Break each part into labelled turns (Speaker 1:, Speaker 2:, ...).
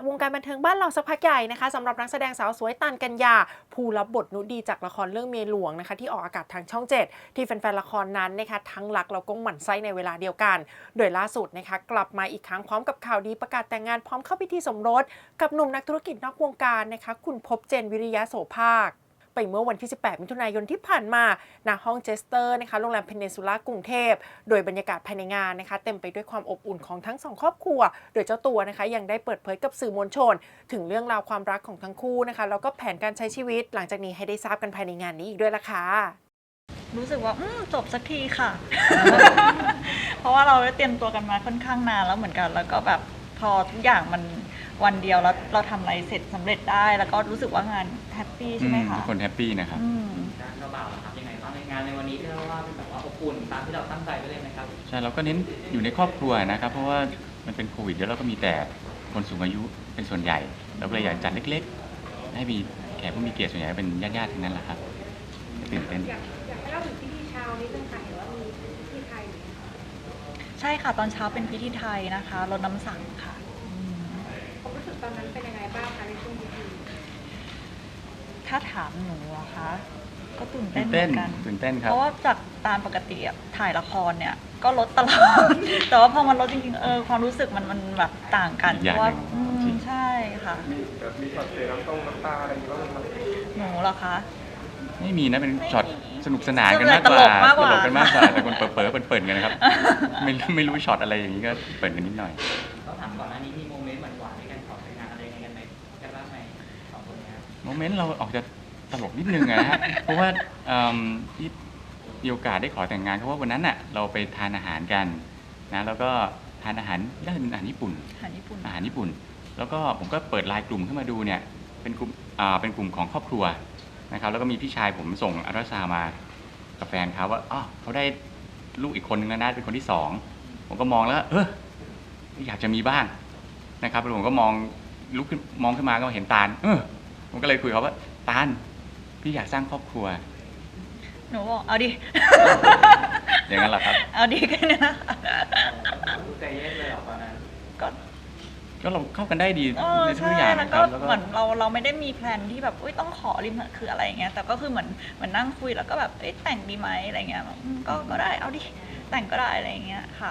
Speaker 1: วงการบันเทิงบ้านเราสักพักใหญ่นะคะสำหรับนักแสดงสาวสวยตันกัญญาผู้รับบทนุชดีจากละครเรื่องเมียหลวงนะคะที่ออกอากาศทางช่อง 7ที่แฟนๆละครนั้นนะคะทั้งรักแล้วก็หมั่นไส้ในเวลาเดียวกันโดยล่าสุดนะคะกลับมาอีกครั้งพร้อมกับข่าวดีประกาศแต่งงานพร้อมเข้าพิธีสมรสกับหนุ่มนักธุรกิจนอกวงการนะคะคุณภพเจนวิริยะโสภาคไปเมื่อวันที่ 18 มิถุนายนที่ผ่านมาณห้องเจสเตอร์นะคะโรงแรมเพนนินซูล่ากรุงเทพโดยบรรยากาศภายในงานนะคะเต็มไปด้วยความอบอุ่นของทั้งสองครอบครัวโดยเจ้าตัวนะคะยังได้เปิดเผยกับสื่อมวลชนถึงเรื่องราวความรักของทั้งคู่นะคะแล้วก็แผนการใช้ชีวิตหลังจากนี้ให้ได้ทราบกันภายในงานนี้อีกด้วยล่ะค่ะ
Speaker 2: รู้สึกว่าจบสักทีค่ะ เพราะว่าเราได้เตรียมตัวกันมาค่อนข้างนานแล้วเหมือนกันแล้วก็แบบพอทุกอย่างมันวันเดียวแล้วเราทำอะไรเสร็จสำเร็จได้แล้วก็รู้สึกว่างานแฮปปี้ใช่ไหมคะ
Speaker 3: คนแฮปปี้นะครับ
Speaker 4: ด้านเจ้าบ่าวครับยังไงบ้างในงานในวันนี้ที่เราว่าเป็นแบบว่าอบอุ่นตามที่เราตั้งใจไว้เลยไหมครับ
Speaker 3: ใช่เราก็เน้นอยู่ในครอบครัวนะครับเพราะว่ามันเป็นโควิดแล้วเราก็มีแต่คนสูงอายุเป็นส่วนใหญ่เราก็เลยอยากจัดเล็กๆให้มีแขกผู้มีเกียรติส่วนใหญ่เป็นญาติๆทั้งนั้นแหละครับตื่นเต้น
Speaker 5: อยากให้เล่าถึงพิธีเช้านี้เป็นค่ะเห็นว่ามีพิธีไทย
Speaker 2: ใช่ค่ะตอนเช้าเป็นพิธีไทยนะคะรดน้ำสังค่ะ
Speaker 5: ความรู้สึกตอนนั้นเป็นยังไงบ้างคะในช่วงพิธี
Speaker 2: ถ้าถามหนูอะคะก็ตื่นเต้นเหมือนกัน
Speaker 3: ตื่นเต้นครับ
Speaker 2: เพราะว่าจากตามปกติถ่ายละครเนี่ยก็ลดตลอด แต่ว่าพอมันลดจริงๆความรู้สึกมันแบบต่างกันเพราะว่าใช่ค่ะ
Speaker 6: มีช็อตเสียน้ำตาอะไรอย่างเงี้ยบ้างไหม
Speaker 2: หนูเหรอคะ
Speaker 3: ไม่มีนะเป็นช็อตสนุกสนานกันมากกว่าตลกกันมากกว่าแต่คนเปิดเปิดกันนะครับไม่รู้ช็อตอะไรอย่างนี้ก็เปิดกันนิดหน่อย
Speaker 4: ต้องถามก่อนหน้านี้มีโมเมนต์หวานๆในการขอแต่งงานอะไรกันไหมกันบ้างไหมสองคนนี้
Speaker 3: โมเมนต์เราออกจะตลกนิดนึงนะฮะเพราะว่าที่มีโอกาสได้ขอแต่งงานเพราะว่าวันนั้นน่ะเราไปทานอาหารกันนะแล้วก็ทานอาหารน่าจะเป็นอาหารญี่ปุ่นแล้วก็ผมก็เปิดไลน์กลุ่มขึ้นมาดูเนี่ยเป็นกลุ่มของครอบครัวนะครับแล้วก็มีพี่ชายผมส่งอัลตราซาวมากับแฟนเขาว่าเขาได้ลูกอีกคนนึงแล้วนะเป็นคนที่2ผมก็มองแล้วอยากจะมีบ้างนะครับแล้วผมก็ลุกขึ้นมองขึ้นมาก็เห็นตาลผมก็เลยคุยเขาว่าตาลพี่อยากสร้างครอบครัว
Speaker 2: หนูบอกเอาดิ
Speaker 3: อย่างนั้นแหละครับ
Speaker 2: เอาดิกันนะ
Speaker 4: ใจเย็นเลยหรอตอนนั้น
Speaker 3: ก็เราเข้ากันได้ดีในทุกอย่าง
Speaker 2: นะครับแล้วก็เหมือนเราไม่ได้มีแพลนที่แบบต้องขอริมคืออะไรอย่างเงี้ยแต่ก็คือเหมือนนั่งคุยแล้วก็แบบแต่งดีไหมอะไรเงี้ยก็ได้เอาดิแต่งก็ได้อะไรอย่างเงี้ยค่ะ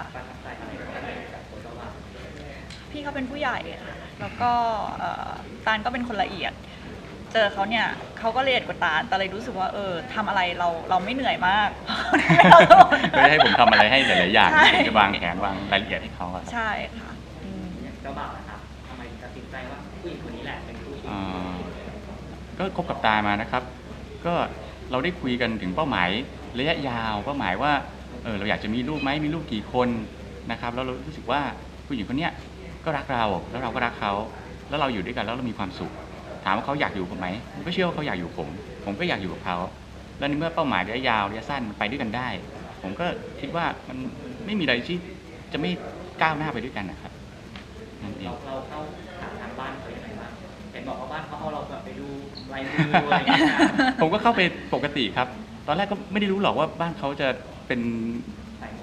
Speaker 2: พี่เขาเป็นผู้ใหญ่ค่ะแล้วก็ตาลก็เป็นคนละเอียดเจอเขาเนี่ยเขาก็ละเอียดกว่าตาลแต่เลยรู้สึกว่าทำอะไรเราไม่เหนื่อยมาก
Speaker 3: ก็ให้ผมทำอะไรให้หลายๆอย่างจะวางแผนวางรายละเอียดให้เขา
Speaker 2: ใช่ค่ะ
Speaker 4: เจ้าบ่าวนะครับทำไมตัดสินใจว่าผู้หญิงคนนี้แหละเป็นผู้หญิง
Speaker 3: ก็คบกับตามานะครับก็เราได้คุยกันถึงเป้าหมายระยะยาวเป้าหมายว่าเราอยากจะมีลูกไหมมีลูกกี่คนนะครับแล้วเรารู้สึกว่าผู้หญิงคนนี้ก็รักเราแล้วเราก็รักเขาแล้วเราอยู่ด้วยกันแล้วเรามีความสุขถามว่าเขาอยากอยู่กับผมไหมผมก็เชื่อว่าเขาอยากอยู่ผมก็อยากอยู่กับเขาแล้วในเมื่อเป้าหมายระยะยาวระยะสั้นมันไปด้วยกันได้ผมก็คิดว่ามันไม่มีอะไรที่จะไม่ก้าวหน้าไปด้วยกันนะครับ
Speaker 4: นั่นเองเราเข้าหาทางบ้านเขาอย่างไรบ้างเห็นบอกว่าบ้านเขาเอาเราแบบไปดูลายมืออะไรอย่างเงี้ย
Speaker 3: ผมก็เข้าไปปกติครับตอนแรกก็ไม่ได้รู้หรอกว่าบ้านเขาจะเป็น
Speaker 4: สายมู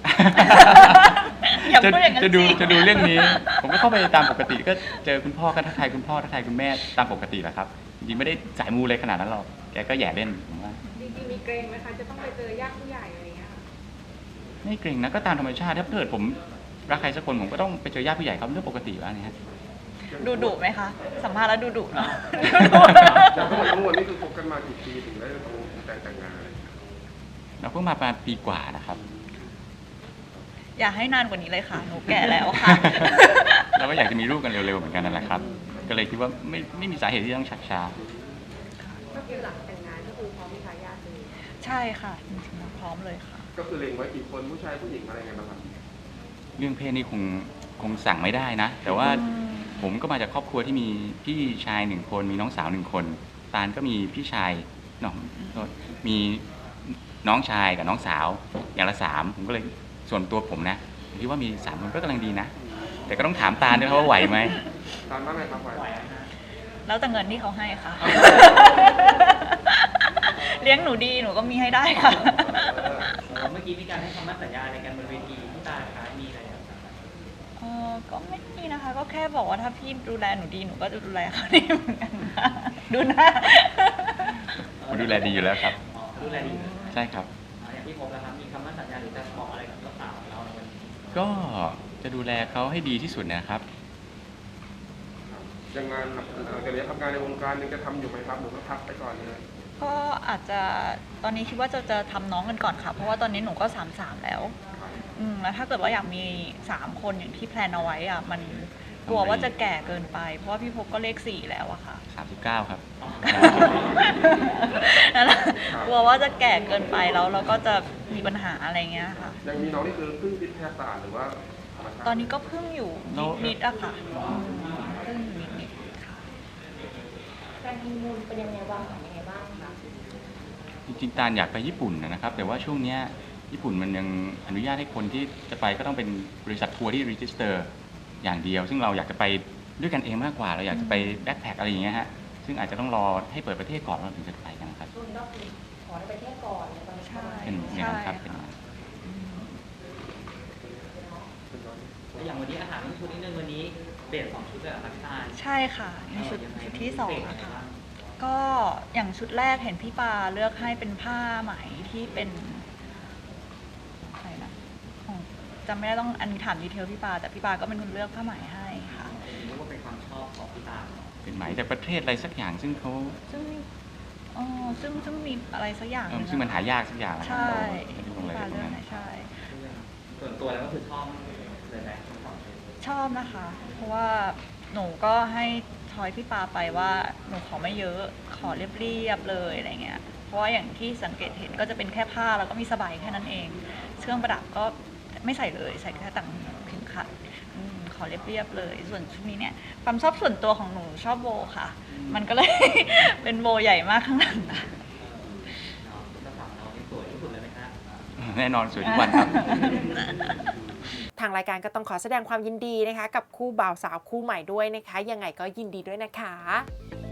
Speaker 3: จะดูเรื่องนี้ผมก็เข้าไปตามปกติก็เจอคุณพ่อก็ทักทายคุณพ่อทักทายคุณแม่ตามปกติแหละครับจริงๆไม่ได้สายมูเลยขนาดนั้นหรอกแกก็แย่เล่นผมว่า
Speaker 5: จริงๆมีเกรงไหมคะจะต้องไปเจอญาติผู้ใหญ่อะไรอย่างเงี้ย
Speaker 3: ไม่เกรงนะก็ตามธรรมชาติถ้าเกิดผมรักใครสักคนผมก็ต้องไปเจอญาติผู้ใหญ่เขาเรื่องปกติแล้วนี่ฮะ
Speaker 2: ดุไหมคะสัมภาษณ์แล้วดุเนาะ
Speaker 6: ทั้งหมดนี่คือคบกันมากี่ปีถึงได้แต่งงาน
Speaker 3: เราเพิ่งมาประมาณปีกว่านะครับ
Speaker 2: อยากให้นานกว่านี้เลยค่ะหนูแก่แล้วค่ะ
Speaker 3: เราก็อยากจะมีลูกกันเร็วๆเหมือนกันนั่นแหละครับก็เลยคิดว่าไม่มีสาเหตุที่ต้องชักช้า
Speaker 5: ก็คือหลังแต่งงานก็คือพร้อมมีทายาทเลย
Speaker 2: ใช่ค่ะจริงๆพร้อมเลยค่ะ
Speaker 6: ก็คือเล็งไว้กี่คนผู้ชายผู้หญิงอะไรไงบ้างครับ
Speaker 3: เรื่องเพศนี่คงสั่งไม่ได้นะแต่ว่าผมก็มาจากครอบครัวที่มีพี่ชาย1คนมีน้องสาว1คนตาลก็มีพี่ชายมีน้องชายกับน้องสาวอย่างละ3ผมก็เลยส่วนตัวผมนะผมคิดว่ามี3คนก็กำลังดีนะแต่ก็ต้องถามตาลด้วยว่าไหวไหม
Speaker 6: ตาลว่าไงครับไหว
Speaker 2: แล้วแต่เงินที่เขาให้ค่ะเลี้ยงหนูดีหนูก็มีให้ได้ค่ะ
Speaker 4: เมื่อกี้มีการให้คำมั่นสัญญาอะไรกันบนเวทีที่ตาลคะมีอะไร
Speaker 2: ก็ไม่มีนะคะ ก็แค่บอกว่าถ้าพี่ดูแลหนูดีหนูก็จะดูแลเขาดีเหมือนกันค่ะดูหน้า
Speaker 3: ผมดูแลดีอยู่แล้วครับ
Speaker 4: ดูแลดีเลย
Speaker 3: ใช่ครับ
Speaker 4: อย่างที่ผมนะครับ มีคำมั่นสัญญาหรือจะบอกอะไรกับเจ้าสาวของเราในวันนี้
Speaker 3: ก็จะดูแลเขาให้ดีที่สุดนะครับ
Speaker 6: ยังงานเดี๋ยวนี้ทำงานในวงการยังจะทำอยู่ไหมครับหรือว่าพักไปก่อนเลย
Speaker 2: ก็อาจจะตอนนี้คิดว่าจะทำน้องกันก่อนค่ะ เพราะว่าตอนนี้หนูก็33แล้วแล้วถ้าเกิดว่าอยากมี3คนอย่างที่แพลนเอาไว้อะมันกลัวว่าจะแก่เกินไป เพราะว่าพี่พบก็เลข4แล้วอะค่ะ
Speaker 3: 39 ครับ
Speaker 2: นั่นแหละกลัวว่าจะแก่เกินไปแล้วเราก็จะมีปัญหาอะไรเงี้ยค่ะ
Speaker 6: ยังมีน้องนี่คือเพิ่งวิทยาศาสตร์หรือว่าธรรมชาติ
Speaker 2: ตอนนี้ก็เพิ่งอยู่
Speaker 3: แล้ว
Speaker 2: นิดๆอะค่ะเพิ่งอยู่นิดๆค่ะ
Speaker 5: การฮันนีมูนเป็นยังไงบ้างคะยังไงบ้างคะ
Speaker 3: จริงๆตาลอยากไปญี่ปุ่นนะครับ แต่ว่าช่วงเนี้ยญี่ปุ่นมันยังอนุญาตให้คนที่จะไปก็ต้องเป็นบริษัททัวร์ที่รีจิสเตอร์อย่างเดียว ซึ่งเราอยากจะไปด้วยกันเองมากกว่า เราอยากจะไปแบ็คแพคอะไรอย่างเงี้ยฮะ ซึ่งอาจจะต้องรอให้เปิดประเทศก่อนเราถึงจะไปกันครับ
Speaker 5: ช่วงนี้ก็คือขอให้ไปเที่ยวก่อนในตอนนี้
Speaker 2: ใช่
Speaker 3: เป็นอย่างนั้นครับเป็นอย่างนั้น
Speaker 4: แล้วอย่างวันนี้อาหารชุดนิดนึงวันนี้เปลี่ยน2 ชุดเลยเหรอครับพี่ตาล
Speaker 2: ใช่ค่ะในชุด
Speaker 4: ยังไง
Speaker 2: ที่
Speaker 4: พิเศษ
Speaker 2: 2
Speaker 4: ยังไง
Speaker 2: นะคะ
Speaker 4: บ้าง
Speaker 2: ก็อย่างชุดแรกเห็นพี่ปาเลือกให้เป็นผ้าไหมที่เป็นอะไรนะของจำไม่ได้ต้องอันนี้ถามดีเทลพี่ปาแต่พี่ปาก็เป็นคนเลือกผ้าไหมให้ค่ะ
Speaker 4: รู้ว่าเป็นความชอบของพี่ตาล
Speaker 3: เป็นไหมจากประเทศอะไรสักอย่างซึ่งเขา
Speaker 2: ซึ่งมีอะไรสักอย่างหนึ่ง
Speaker 3: ซึ่งมันหายากสักอย่างนะครั
Speaker 2: ใช่
Speaker 3: ไม่รู้
Speaker 2: พี่
Speaker 3: อะไร
Speaker 2: ปา
Speaker 3: ตร
Speaker 2: เลื
Speaker 3: ง
Speaker 2: อก
Speaker 3: นั้น
Speaker 2: ให้ใช่
Speaker 4: ส่วนตัวแล้วก็คือชอบเลยไหมทั้งสองชุด
Speaker 2: ชอบนะคะ เพราะว่าหนูก็ให้ทอยพี่ปาไปว่าหนูขอไม่เยอะขอเรียบๆเลยอะไรเงี้ยเพราะว่าอย่างที่สังเกตเห็นก็จะเป็นแค่ผ้าแล้วก็มีสบายแค่นั้นเองเครื่องประดับก็ไม่ใส่เลยใส่แค่ต่างเข็มขัดขอเรียบๆเลย ส่วนชุดนี้เนี่ยความชอบส่วนตัวของหนูชอบโบค่ะ มันก็เลย เป็นโบใหญ่มากข้างหลังค่ะ
Speaker 4: เนาะเจ้าสาวเรานี่สวยที่สุดเลยไหมฮะ
Speaker 3: แน่นอนสวยทุกวันครับ
Speaker 1: ทางรายการก็ต้องขอแสดงความยินดีนะคะ กับคู่บ่าวสาวคู่ใหม่ด้วยนะคะ ยังไงก็ยินดีด้วยนะคะ